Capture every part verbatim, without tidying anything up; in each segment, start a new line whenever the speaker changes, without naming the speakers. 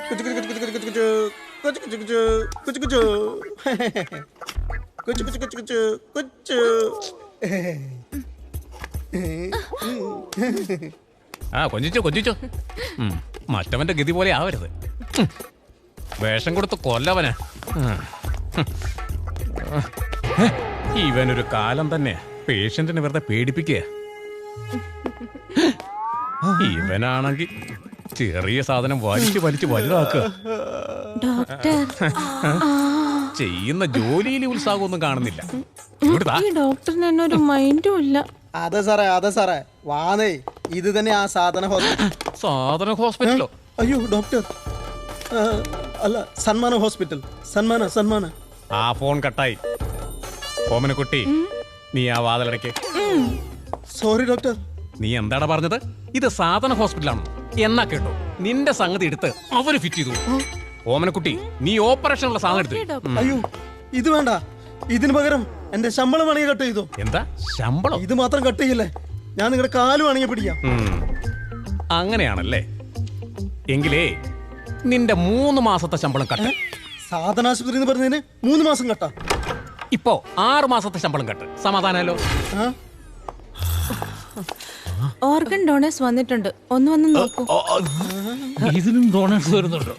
കുച്ചു കുച്ചു കുച്ചു കുച്ചു കുച്ചു കുച്ചു കുച്ചു കുച്ചു കുച്ചു കുച്ചു കുച്ചു കുച്ചു കുച്ചു
ആ കൊഞ്ചിച്ചോ കൊഞ്ചിച്ചോ. മറ്റവന്റെ ഗതി പോലെ ആവരുത്. വേഷം കൊടുത്ത് കൊല്ലവന്. ഇവനൊരു കാലം തന്നെ പേഷ്യന്റിനെ വെറുതെ പേടിപ്പിക്കുക. ഇവനാണെങ്കിൽ ചെറിയ സാധനം വലിച്ചു വലിച്ചു വലുതാക്കുക. ചെയ്യുന്ന ജോലിയിൽ ഉത്സാഹമൊന്നും കാണുന്നില്ല.
ഡോക്ടറിന് എന്നൊരു മൈൻഡും ഇല്ല.
അതെ സാറേ അതെ സാറേ വാനേ ഇത് തന്നെ ആ സാധന ഹോസ്പിറ്റൽ.
സാധന ഹോസ്പിറ്റലോ?
അയ്യോ ഡോക്ടർ അല്ല സന്മാന ഹോസ്പിറ്റൽ. സന്മാന സന്മാന.
ആ ഫോൺ കട്ടായി. ഓമനക്കുട്ടി നീ ആ വാതിലടയ്ക്ക്.
Sorry doctor.
നീ എന്താടാ പറഞ്ഞത്? ഇത് സാധന ഹോസ്പിറ്റലാണ് എന്നാ കേട്ടോ. നിന്റെ സംഗതി എടുത്ത് അവര് ഫിറ്റ് ചെയ്തു. ഓമനക്കുട്ടി നീ ഓപ്പറേഷനുള്ള സാധനം എടുത്തു.
അയ്യോ ഇത് വേണ്ട. ഇതിന് പകരം എന്റെ ശമ്പളം വേണമെങ്കിൽ കട്ട് ചെയ്തോ.
എന്താ ശമ്പളം?
ഇത് മാത്രം കട്ട് ചെയ്യില്ലേ, ഞാൻ നിങ്ങളുടെ കാല് വേണമെങ്കിൽ പിടിക്കാം.
അങ്ങനെയാണല്ലേ? എങ്കിലേ നിന്റെ മൂന്ന് മാസത്തെ ശമ്പളം കട്ട്.
സാധനാശുപത്രി എന്ന് പറഞ്ഞതിന് മൂന്ന് മാസം കട്ടാ.
ഇപ്പോ ആറ് മാസത്തെ ശമ്പളം കട്ട്. സമാധാനമല്ലോ?
ഓർഗൻ ഡോണേഴ്സ് വന്നിട്ടുണ്ട്, ഒന്ന് വന്ന് നോക്കൂ.
ഇതിനും ഡോണേഴ്സ് വരുന്നുണ്ടോ?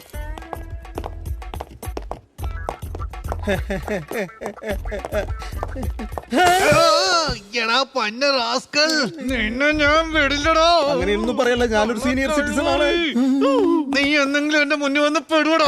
അങ്ങനെയൊന്നും പറയല്ല, ഞാനൊരു സീനിയർ സിറ്റിസൺ ആണ്.
നീ എന്തെങ്കിലും എന്റെ മുന്നിൽ വന്ന് പെടുവടോ.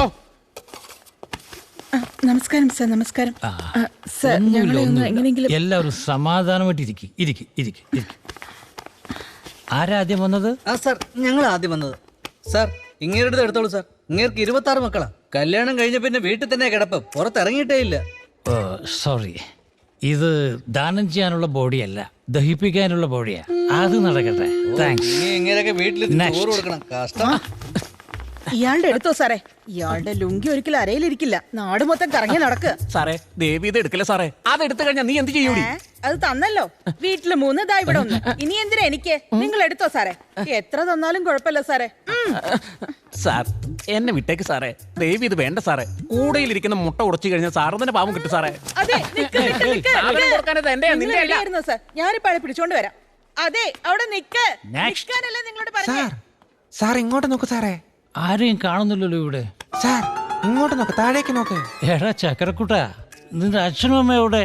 നമസ്കാരം സർ. നമസ്കാരം സർ. എങ്ങനെയെങ്കിലും
എല്ലാവരും സമാധാനമായിട്ട് ഇരിക്കും. ഇരിക്കും ഇരിക്കും ഇരിക്കും. ആരാ ആദ്യം വന്നത്?
ആ സാർ ഞങ്ങൾ ആദ്യം വന്നത്. സാർ ഇങ്ങേരുടെ എടുത്തോളൂ സാർ. ഇങ്ങേർക്ക് ഇരുപത്തി ആറ് മക്കളാ. കല്യാണം കഴിഞ്ഞ പിന്നെ വീട്ടിൽ തന്നെ കിടപ്പ്, പുറത്തിറങ്ങിയിട്ടേ ഇല്ല.
ഓ സോറി, ഇത് ദാനം ചെയ്യാനുള്ള ബോഡിയല്ല, ദഹിപ്പിക്കാനുള്ള ബോഡിയാ. അത് നടക്കട്ടെ. താങ്ക്സ്.
ഇങ്ങനെയൊക്കെ വീട്ടിൽ ചോറ് കൊടുക്കണം. കഷ്ടം.
ഇയാളുടെ എടുത്തോ സാറേ. ഇയാളുടെ ലുങ്കി ഒരിക്കലും അരയിലിരിക്കില്ല, നാട് മൊത്തം കറങ്ങി നടക്കുക.
സാറേ ദേവി ഇത് എടുക്കല്ലേ സാറേ. അത് എടുത്തു കഴിഞ്ഞാൽ നീ എന്ത് ചെയ്യൂടി?
അത് തന്നല്ലോ. വീട്ടില് മൂന്ന് ദാ ഇവിടെ ഒന്ന്. ഇനി എന്തിനാ എനിക്ക്? നിങ്ങൾ എടുത്തോ സാറേ. എത്ര തന്നാലും കുഴപ്പമില്ല സാറേ.
സാർ എന്നെ വിട്ടേക്ക് സാറേ. ദേവി ഇത് വേണ്ട സാറേ. കൂടയിലിരിക്കുന്ന മുട്ട ഉടച്ചു കഴിഞ്ഞാൽ സാറ് തന്നെ പാവം കിട്ടും സാറേ.
അതെ നിക്ക്, നിക്ക്, നിക്ക്, നിക്ക്. നിങ്ങൾ എവിടെയായിരുന്നു സാർ? ഞാനിപ്പോ ആളെ പിടിച്ചോണ്ട് വരാം. അതെ അവിടെ നിക്ക്. നിൽക്കാനല്ലേ നിങ്ങളോട് പറഞ്ഞേ.
സാർ ഇങ്ങോട്ട് നോക്ക് സാറേ.
ആരെയും കാണുന്നില്ലല്ലോ ഇവിടെ.
സാർ ഇങ്ങോട്ട് നോക്ക്, താഴേക്ക് നോക്ക്.
എടാ ചക്കരക്കുട്ട, നിന്റെ അച്ഛനും അമ്മ എവിടെ?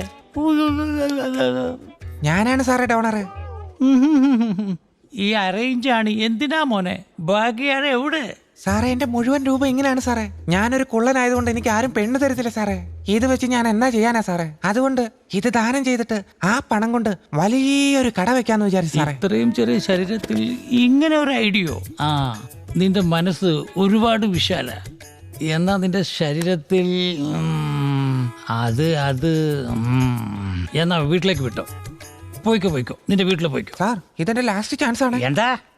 ഞാനാണ് സാറേ ഡോണർ.
ഈ അറേഞ്ചാണ്. എന്തിനാ മോനെ? ബാക്കിയാണ് എവിടെ?
സാറേ എന്റെ മുഴുവൻ രൂപ ഇങ്ങനെയാണ് സാറേ. ഞാനൊരു കുള്ളനായതുകൊണ്ട് എനിക്ക് ആരും പെണ്ണ് തരത്തില്ല സാറേ. ഇത് വെച്ച് ഞാൻ എന്നാ ചെയ്യാനാ സാറേ? അതുകൊണ്ട് ഇത് ദാനം ചെയ്തിട്ട് ആ പണം കൊണ്ട് വലിയൊരു കട വെക്കാന്ന് വിചാരിച്ചു സാറേ.
ഇത്രയും ചെറിയ ശരീരത്തിൽ ഇങ്ങനെ ഒരു ഐഡിയോ? ആ, നിന്റെ മനസ്സ് ഒരുപാട് വിശാല. എന്നാ നിന്റെ ശരീരത്തിൽ അത് അത് എന്നാ വീട്ടിലേക്ക് വിട്ടോ. പോയിക്കോ പോയിക്കോ, നിന്റെ വീട്ടിൽ പോയിക്കോ.
സാർ ഇതെന്റെ ലാസ്റ്റ് ചാൻസ് ആണ്.
എന്താ